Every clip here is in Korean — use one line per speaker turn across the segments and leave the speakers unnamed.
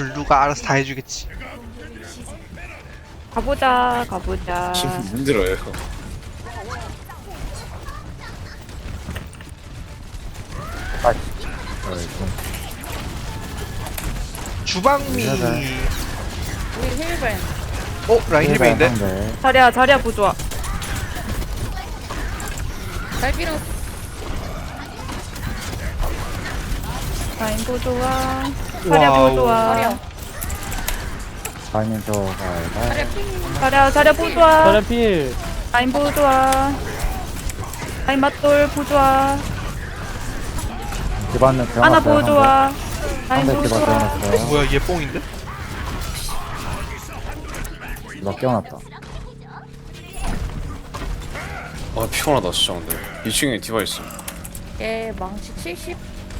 블루가 알아서 다 해주겠지.
가보자 가보자.
힘들어요.
주방미.
우리 힐벤.
라인 힐베인데?
자리야 부조아.
잘 빌어.
라인 부조아. 자리야
와우.
부조아.
자리야.
아니면 저 가야
자리야 핑.
자리야 부조아.
자리 필.
라인 부조아. 라인 맞돌 부조아.
기반은
하나 부조아. 라인
상대 기반
부조아.
태어났어요.
뭐야 얘 뽕인데?
너 깨어났다.
아 피곤하다 진짜 근데 2층에 디바 있어.
얘 망치 70.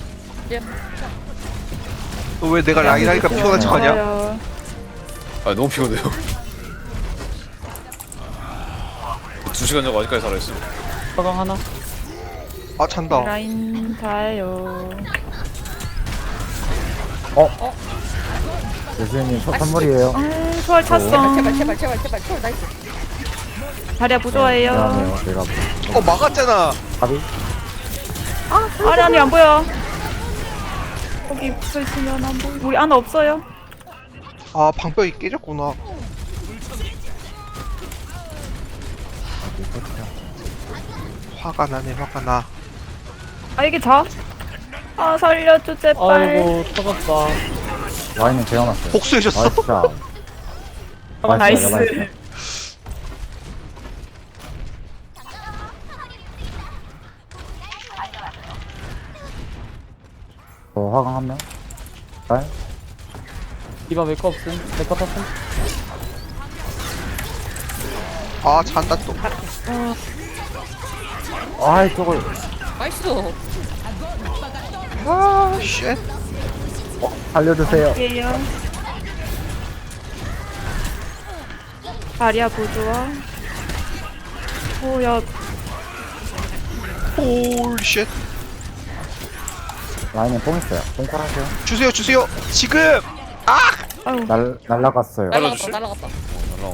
너 왜 내가 라인 하니까 피곤한 척하냐?
좋아요.
아 너무 피곤해요. 2시간 자고 아직까지 살아있어.
화강 하나.
아 찬다.
라인 다요.
교수님 선물이에요.
초월 찼어.
제발. 초월 나이스.
자리야 부조아예요.
미안해요. 내가
막았잖아.
답이
아니 안 보여. 거기 붙어 있으면 안 보여. 우리 하나 없어요.
아 방벽이 깨졌구나. 화가 나네 화가 나.
아 이게 자? 아 살려줘 제발.
아이고 터졌다.
와인은 재워놨어요.
복수해줬어.
나이스.
나이스.
화강 한 명. 날.
디바 메커 없음. 메커 탔음.
아 잔다 또.
아이 저걸.
나이스.
아 쉣.
살려주세요.
예요. 자리야 부조아. 오야
홀 쉣.
라인은 뽕 있어요. 뽕콜 하세요.
주세요 지금.
아유
날라갔어요.
날라주시?
날라갔다.
날라가.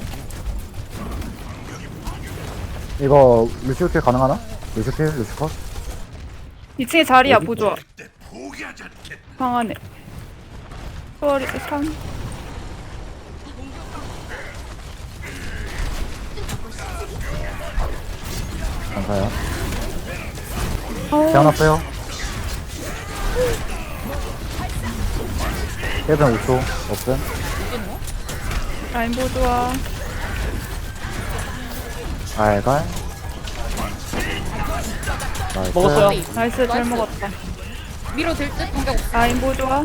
이거 루시오킬 가능하나? 루시오킬 루시컷?
2층에 자리야 부조아. 방 안에. 초월이 3.
감사해요.
어,
태어났어요. 1분 5초 없음.
라인 부조아.
알갈. 나이스.
먹었어요.
나이스 잘
나이스.
먹었다.
미로 될듯 방벽 없어.
라인 부조아.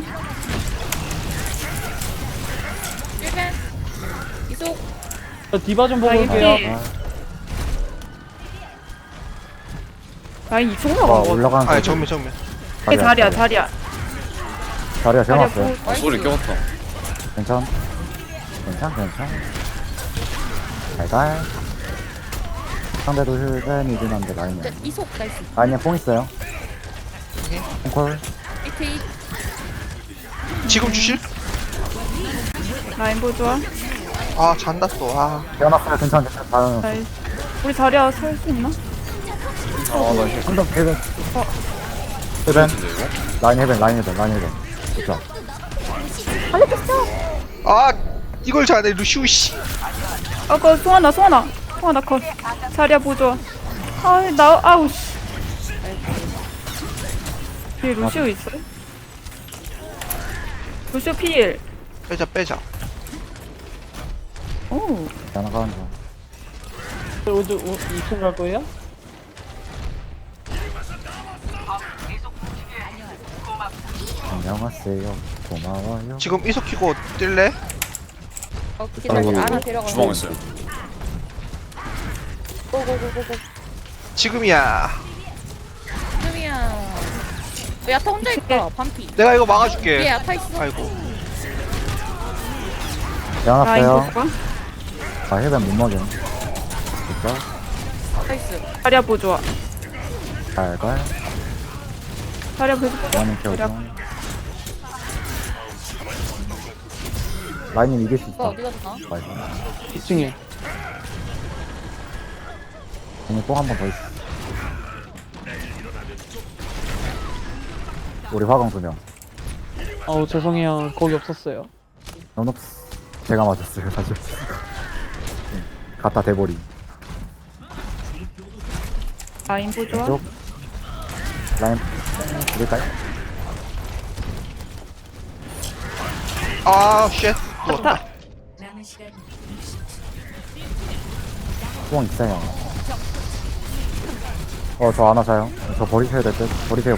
힐벤. 이속.
저 디바 좀 보고
라인
올게요.
필.
아,
라인 2층
와
나간 거.
올라가는
아
소리.
정면.
자리야.
자리야
자리야
태어났어요.
부.
아 소리 껴봤다.
괜찮. 알갈. 상대도 힐벤이긴 한데 라인은.
이속 나이스.
라인에 뽕 있어요. 뽕콜.
이트
지금 주실?
라인 부조아.
아 잔다 또. 아
태어났어요. 괜찮. 다음.
나이스. 우리 자리야 살 수 있나?
아나 이거
한점 힐벤. 힐벤.
같은데 이거?
라인 힐벤. 그쵸.
아 이걸 잘해 루시우 씨.
아까 송하나 컷. 자리야 부조아. 아우 씨. 뒤에 루시오 있어요? 루시오 필.
빼자.
오.
나가는 거.
오늘 2층 갈 거예요?
안녕하세요. 고마워요.
지금 이속 키고 뛸래?
기다려.
아이고.
하나 데려가.
주방 있어요.
고고고고고.
지금이야.
지금이야. 야타 혼자 있다. 반피.
내가 이거
뒤에
막아줄게.
야타 있어.
아이고.
라인
태어났어요.
부조아.
아 힐벤 못 먹여. 진짜.
나이스.
자리야 부조아.
알갈.
자리야 부조아.
원인
자리야.
켜고. 라인님 이길 수
오빠
있다.
어디 갔나?
나이스.
2층에.
공이 뽕 한 번 더 있어. 우리 화강 2명.
아우 죄송해요. 거기 없었어요.
넌없어. 제가 맞았어요, 사실. 갖다 대버리.
라인 보조아.
왼쪽. 라인, 이럴까요?
아, 쉣. 누웠다.
좋다.
뽕 있어요. 저 하나 사요. 저 버리셔야 될 듯. 버리세요.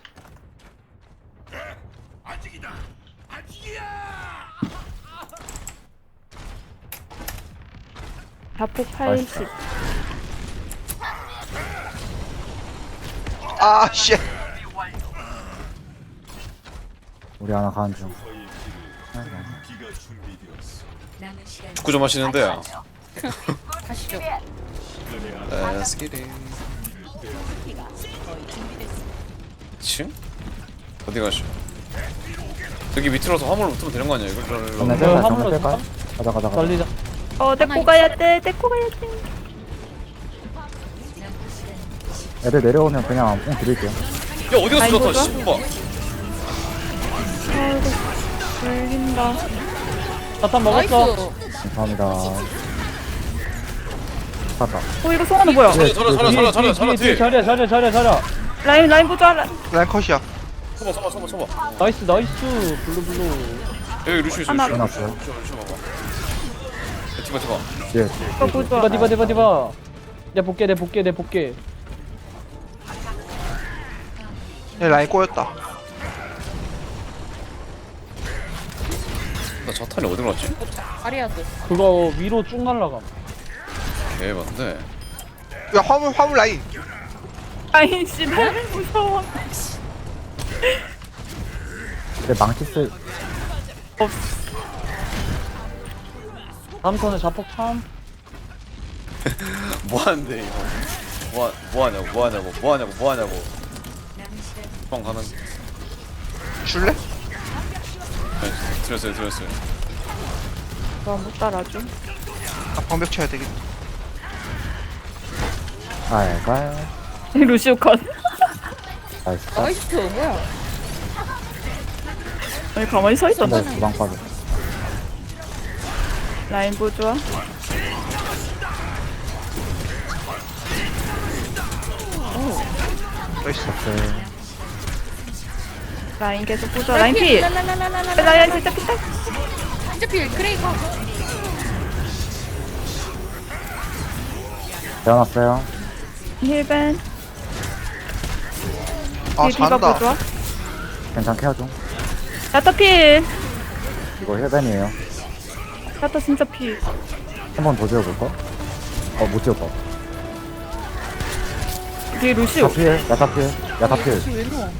자폭 80.
아, 쉣.
우리 하나 가는 중.
축구 좀 하시는데요.
가시죠.
Let's get it. 2층? 어디 가시오? 여기 밑으로서 화물 붙으면 되는 거 아니야? 이걸
정면
네,
뺄까요?
화물로
정면 뺄까요? 가자.
달리자.
데리고 가야 돼. 데리고 가야 돼.
애들 내려오면 그냥 뽕 드릴게요.
야 어디 갔어
아이고,
저타 씨발.
아이고. 걸린다.
자탄
나이스.
먹었어.
감사합니다. 샀다.
이거 송하는 뭐야?
잘해 뒤에.
자리야.
라인 보조아.
라인 컷이야.
쳐봐.
나이스. 블루.
여기 루시오 있어.
하나.
해놨어요.
루시오 봐봐. 디바.
뒤에.
이거 보조아.
디바. 내 볼게.
얘 라인 꼬였다.
나 자탄이 어디 갔지?
아리아드.
그거 위로 쭉 날라가.
개반데.
야, 화물 라인.
라인 씨, 너무 무서워.
근데 망치 쓸,
다음 턴에 자폭 참.
뭐 하는데 이거? 뭐 하냐고. 방 가는.
줄래?
들었어요.
못 따라줘.
아, 방벽 쳐야 되겠다.
알까요?
루시오 컷.
나이스.
나이스. 뭐야?
아니 가만히 서 있었나?
네, 주방 빠져.
라인 보조아.
나이스.
네.
라인 계속 보조아. 라인 필.
라라라라라라.
라인 진짜 피딱.
진짜 필. 크레이커.
태어났어요.
힐벤.
아,
디바
잘한다.
보조아.
괜찮게 하죠.
야타 필.
이거 힐벤이에요.
야타 진짜 필.
한 번 더 지어볼까? 못 지었다.
뒤에 루시오.
야타 필.
왜 누워?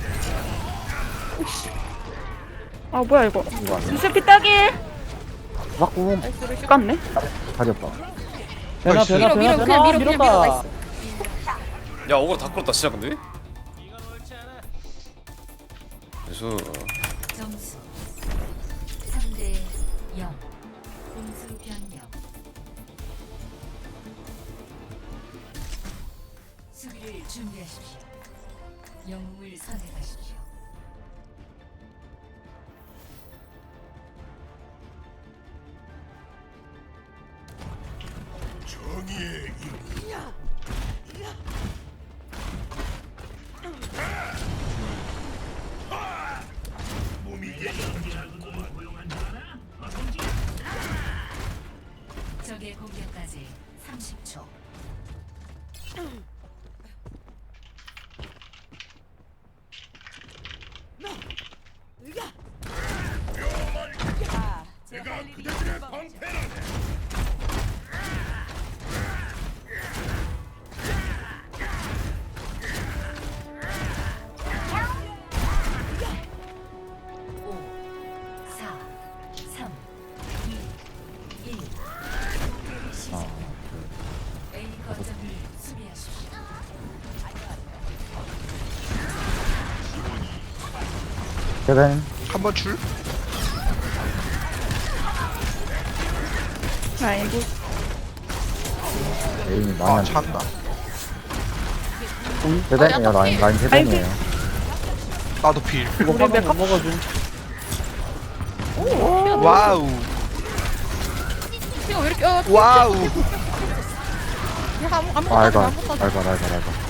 아 뭐야 이거.
이거 아니야.
루시오 피딱일.
막고
나이스 루시.
깠네.
다리 없다.
되나.
밀어.
밀었다.
나이스.
야 오거 다 끌었다 진짜 근데. 그래서
점수 3대 0 공수 변경 수비를 준비하십시오. 영웅을 선택하십시오. 적의 공격까지 30초. 오, 4, 3, 2, 1. 시작. A 거점을 수비하십시오.
힐벤.
한번 줄?
라인 보
에임이
아
많이 안
찬다.
세벤이에요. 라인 세벤이에요.
나도 필.
이거
우리
화면
메카-
못 먹어줌.
와우.
이거 왜 이렇게
와우.
아무것도
알바
아무것도
알바.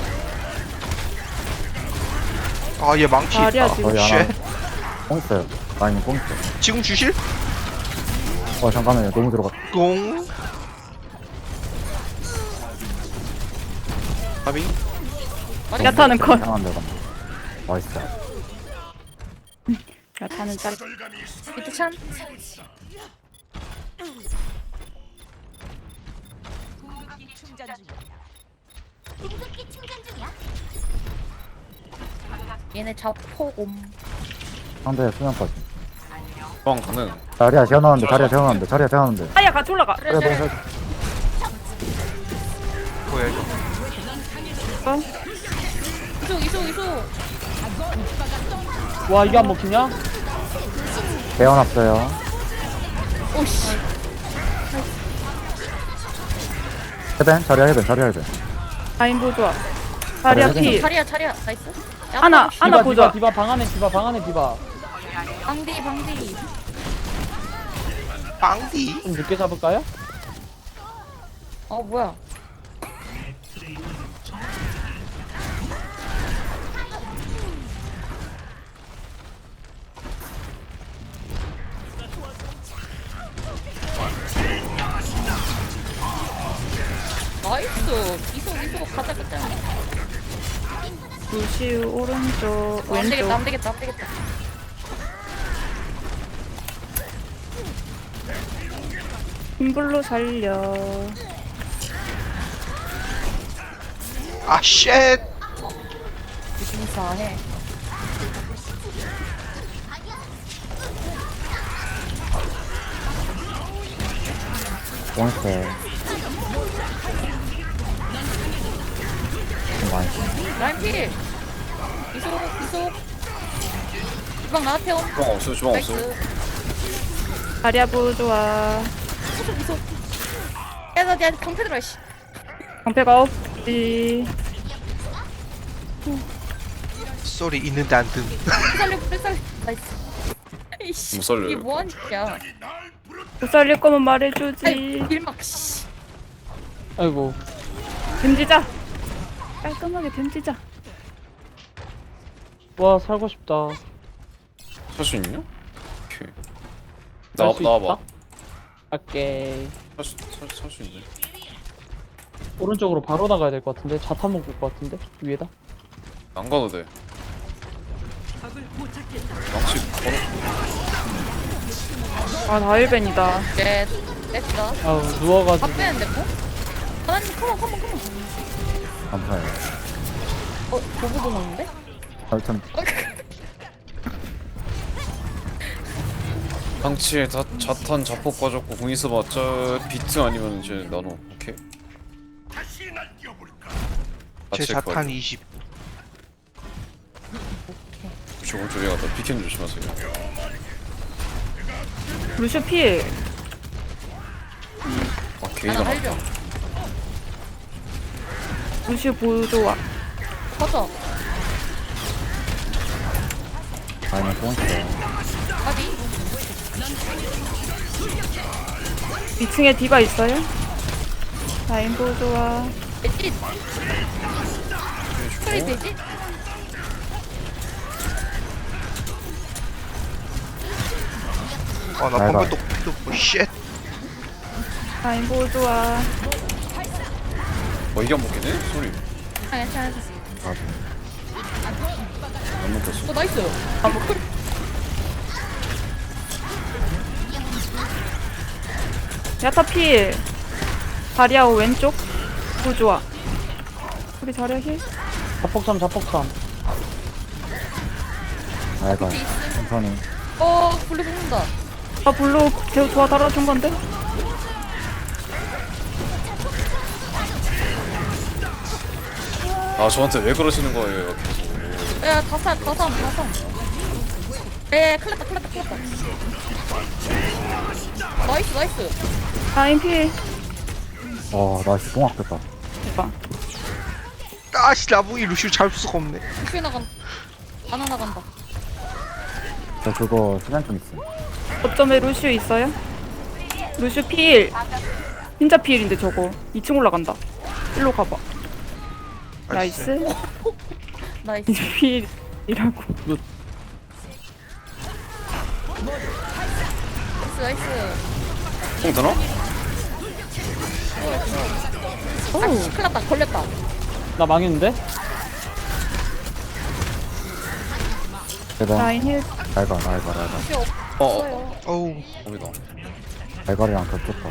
아 얘 망치
다리야
있다.
지금.
거의 하나
쉣.
뽕 있어요. 라인이 뽕 있어요.
지금 주실?
잠깐만요. 너무 들어갔.
공. 아비.
야타는 컷.
이상한 데가. 맛있어.
야타는 짤.
밑에 참 얘네 자포곰
상대 수면까지.
주방 가능.
자리야 재워놨는데.
아야 같이 올라가.
그래 그래
뭐야 이거?
어?
이소
와 이게 안 먹히냐?
재워놨어요.
오씨
해벤 자리야 해벤.
라인 보조아. 다리야
그래,
피.
자리야 나이스
하나 보조아.
디바 방 안에 디바.
방디
빵디.
좀 늦게 잡을까요?
뭐야 나이스 이소 가자
루시우 오른쪽
안 되겠다
왼쪽.
안 되겠다
흰불로 살려.
아 쉣.
유심사해
뽕 있어요. 좀 많이 있어.
라인 필 이소 주방 나한테 온
주방 없어요.
나이스
다리야 보조아.
이소 야나 내 방패 들어 씨
방패가 없지.
소리 있는데 안 든.
살려 나이스 이씨
못 살려요.
이게 뭐하는 짓이야
못 살릴 거면 말해주지.
아이 길막 씨
아이고.
댐지자. 깔끔하게 댐지자.
와 살고 싶다.
살 수 있냐? 오케이.
살수
나와봐.
있다? 오케이.
살수 있네.
오른쪽으로 바로 나가야 될 것 같은데. 자탄 먹을 것 같은데 위에다.
안 가도 돼. 망치 바로.
아 다일벤이다.
네 냈다
아우 누워가지고.
밥 빼는데 뭐? 하나님 컴온
감사해요.
보고도 먹는데?
참
망치에 자탄 자폭 빠졌고 공 있어봤자 비트 아니면 이제 나노. 오케이.
제 자탄 20.
저거 저기 갔다 비켄 조심하세요.
루시우 필.
아 게이가 많다.
살려
루시우 보조아.
터져
라인에 뽕 있어요.
어디?
2층에 디바 있어요? 라인 보조아.
되지? 소리 되지?
아나
잘
방금 또 쉣.
라인 보조아.
이게 안 먹히네? 소리.
괜찮아
안 먹혔어.
나이스
야타 필. 다리아오 왼쪽 보조아. 우리 다리아 힐.
자폭삼.
알바. 천천히.
블루 죽는다
아 블루 계속 도와 달아준 건데?
아 저한테 왜 그러시는 거예요 계속.
야 다삼 큰일 났다. 나이스.
라인 필.
나 진짜 똥 아꼈다.
대박.
아씨 나보기 루시우 잡을 수가 없네.
루시 나간. 하나 나간다.
저 그거 시간 좀 있음.
어점에 루시오 있어요? 루시오 필. 진짜 필인데 저거. 2층 올라간다. 일로 가봐. 나이스.
나이스.
이제 필이라고.
나이스.
공 드나?
오.
큰일 났다. 걸렸다.
나 망했는데?
대단.
라인 힐.
알가.
루시
어
없어요.
어우
거기다.
알가리랑 겹쳤다.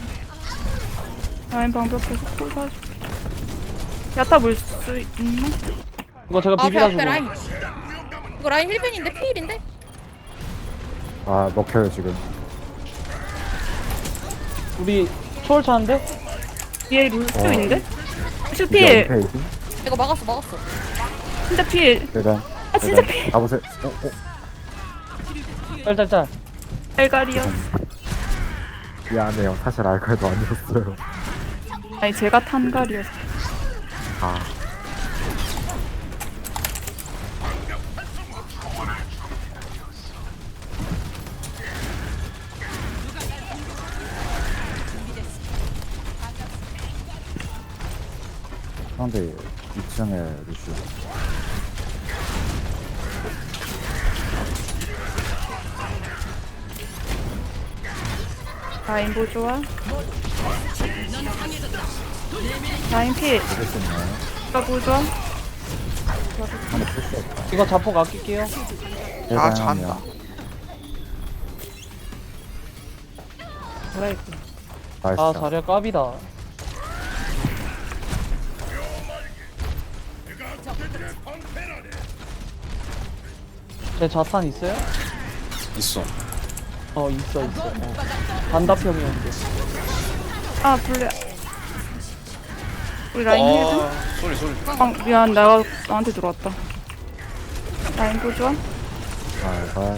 라인 방벽 계속 쏘아줄게. 야타 물 수 있나?
이거 제가
아,
비비라
앞에
주고.
라인. 이거 라인 1벤인데 피일인데?
먹혀요 지금.
우리 초월 차는데?
뒤에 루시오 있는데? 루시오
이게
필.
은폐이지?
이거 막았어.
진짜 필.
대단.
아 진짜 필.
가보세요.
짤짤짤.
알가리요.
미안해요. 사실 알가리도 아니었어요.
아니 제가 탄갈이었어.
상대 2층에 루시오.
라인 보조아. 라인 필.
알겠었네.
가 보조아.
이거 자폭 아낄게요.
아 잔다.
뭐야 이거.
나이스.
아 자리야 까비다. 제 자탄 있어요?
있어.
있어. 반답형이었는데.
아 블레. 우리 라인 힐.
소리.
아 미안 내가 나한테 들어왔다. 라인 보조아.
알가.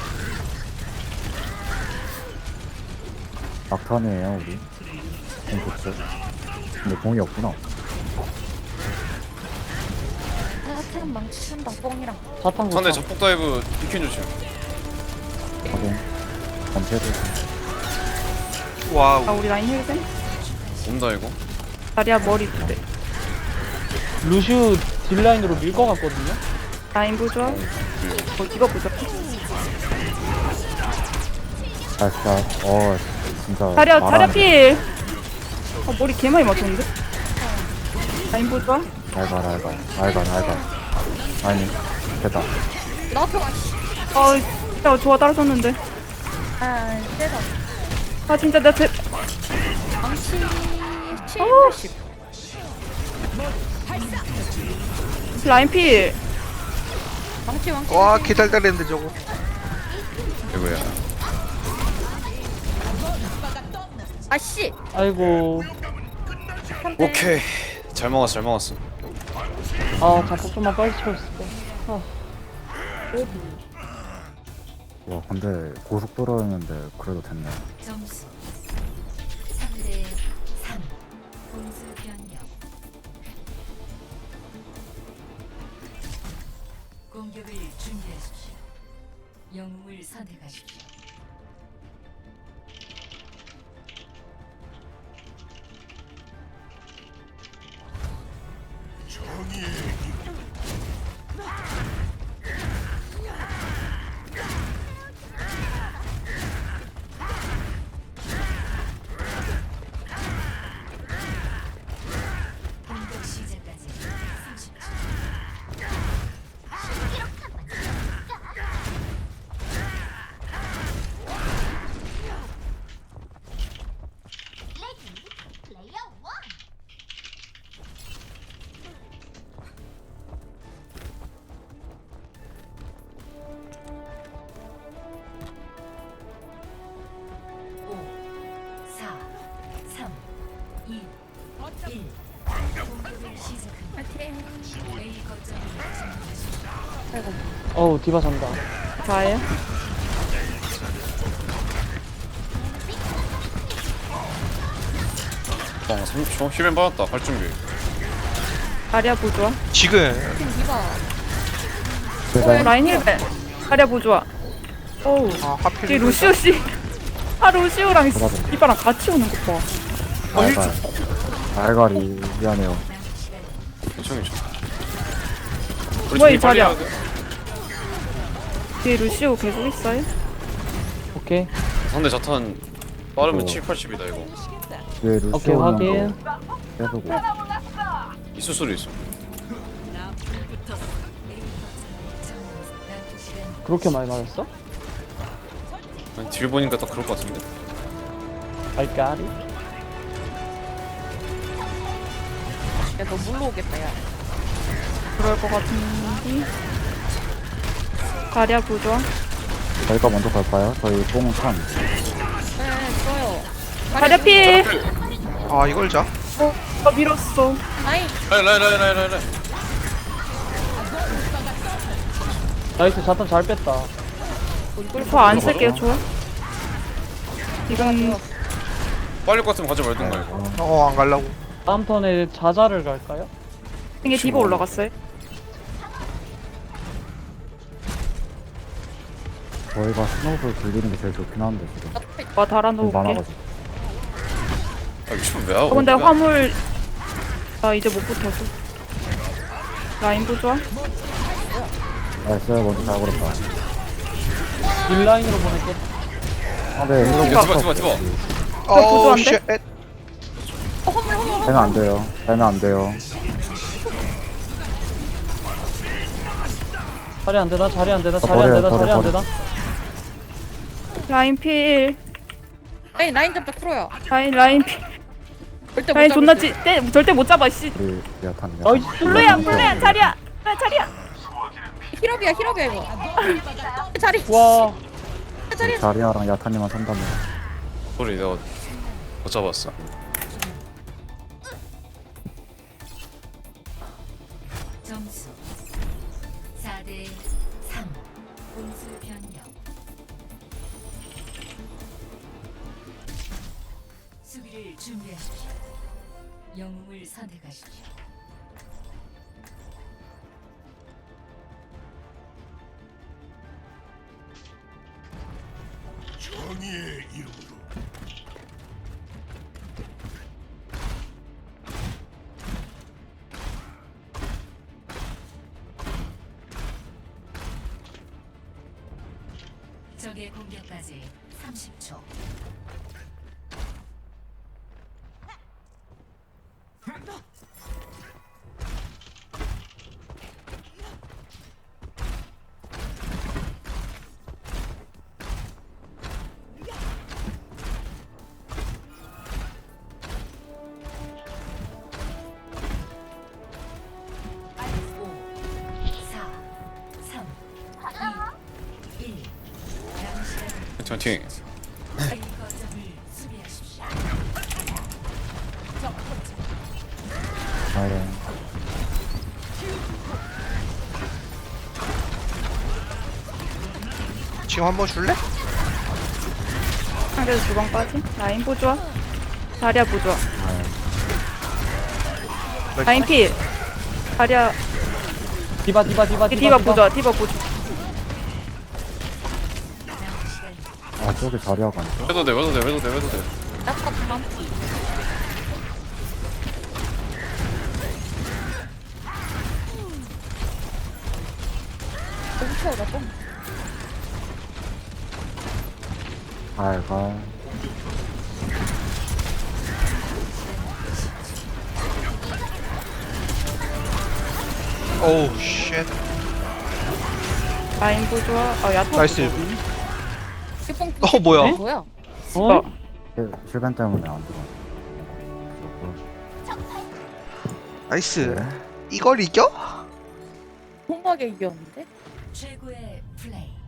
막탄이에요 우리. 공 좋죠. 근데 공이 없구나.
하트는 망친다. 뻥이랑.
자탄
상대
고쳐.
자폭 다이브 비킨 조심.
확인. 검체도.
와우.
아 우리 라인 힐.
온다 이거.
다리야 머리 두 대.
루슈 딜라인으로 밀 것 같거든요?
라인 보조아. 이거 보자.
나이스. 진짜.
다리야
말하네.
필. 머리 개 많이 맞췄는데? 라인 보조아.
알가. 아니, 됐다.
나한테 와. 씨.
야 좋아 따라섰는데.
아, 세다.
아 진짜 나 제.
망치 7, 80.
라인 필.
망치.
와 개달달했는데 저거.
이거야.
아씨.
아이고.
오케이. 잘 먹었어.
아 자폭 좀만 빨리 채웠을 때.
와, 근데 고속도로였는데 그래도 됐네.
점수 3대 3 공수 변경 공격을 준비하십시오. 영웅을 선택하십시오. 공격 시작까지 30초. 오, 4, 3, 2, 1. 공격을 시작합니다.
파이팅.
A 거점을 점령하십시오.
어우 디바 잔다.
자예요.
방 30초 힐맨 받았다. 갈 준비.
자리야 보조아.
지금
지금 디바.
제가
라인 힐벤. 자리야 보조아. 어우.
아 하필
뒤 루시오 씨. 아 루시오랑
받아줘.
이바랑 같이 오는 거 봐.
알갈. 알갈이 미안해요.
괜찮.
뭐야, 이 자리야. 뒤에 루시오 계속 있어요?
오케이.
상대 자탄 빠르면
어.
7, 80이다 이거.
뒤에
오케이,
루시오
확인.
오는 거 계속 오.
있을 소리 있어.
그렇게 많이 맞았어?
아니, 딜 보니까 딱 그럴 것 같은데.
알까리?
야너 물로 오겠다 야.
그럴 것 같은데. 자리야 보조아.
저희가 먼저 갈까요? 저희 뽕은 참.
네 좋아요.
자리야 필.
아 이걸 자?
밀었어.
아이
라인.
나이스, 자탄 잘 뺐다.
저 안 쓸게요, 좋아. 지금
빨릴 것 같으면 가지 말든가 이거.
안 갈라고.
다음 턴에 자자를 갈까요?
이게 디바 올라갔어요.
저희가 스노우볼 굴리는 게 제일 좋긴 한데 지금.
와
좀
달아놓을게.
많아가지고.
아 미친 왜 하고?
근데 화물 나 이제 못 붙어서. 라인 보조아.
나이스 먼저 잘 걸었다.
딜라인으로 보낼게.
아, 네, 이거
디바.
어우
보조한데?
쉣.
되면 안 돼요. 되면 안 돼요.
자리 안 되나? 자리 안 되나? 자리 안
버려요,
되나? 자리 안
버려.
되나?
라인 필.
라인 잡자 풀어요.
라인 필.
절대
라인
못
존나
잡을
절대 못 잡아 씨.
우리 야탄.
나이스.
블루야 자리야. 자리야.
힐업이야 이거. 자리.
와.
자리아랑 야탄이만 산다면.
소리 내가 못 잡았어.
점수 4대 3 공수 변경 수비를 준비하십시오. 영웅을 선택하십시오. 적의 공격까지 30초.
파이팅.
아래.
지금 한번 줄래?
상대도 주방까지. 라인 보조아. 자리야 보조아. 라인 필. 자리야.
디바.
디바 보조아. 디바 보조.
아 저기 자리아가 아니죠?
해도 돼.
잠깐만. 너무 채워 나 좀.
알갈.
어우 쉣.
라인 보조아. 야타.
나이스.
뽕.
뭐야?
뭐야?
어?
실벤 때문에 안 들어.
나이스.
네.
이걸 이겨?
홈하게 이겼는데?
최고의 플레이.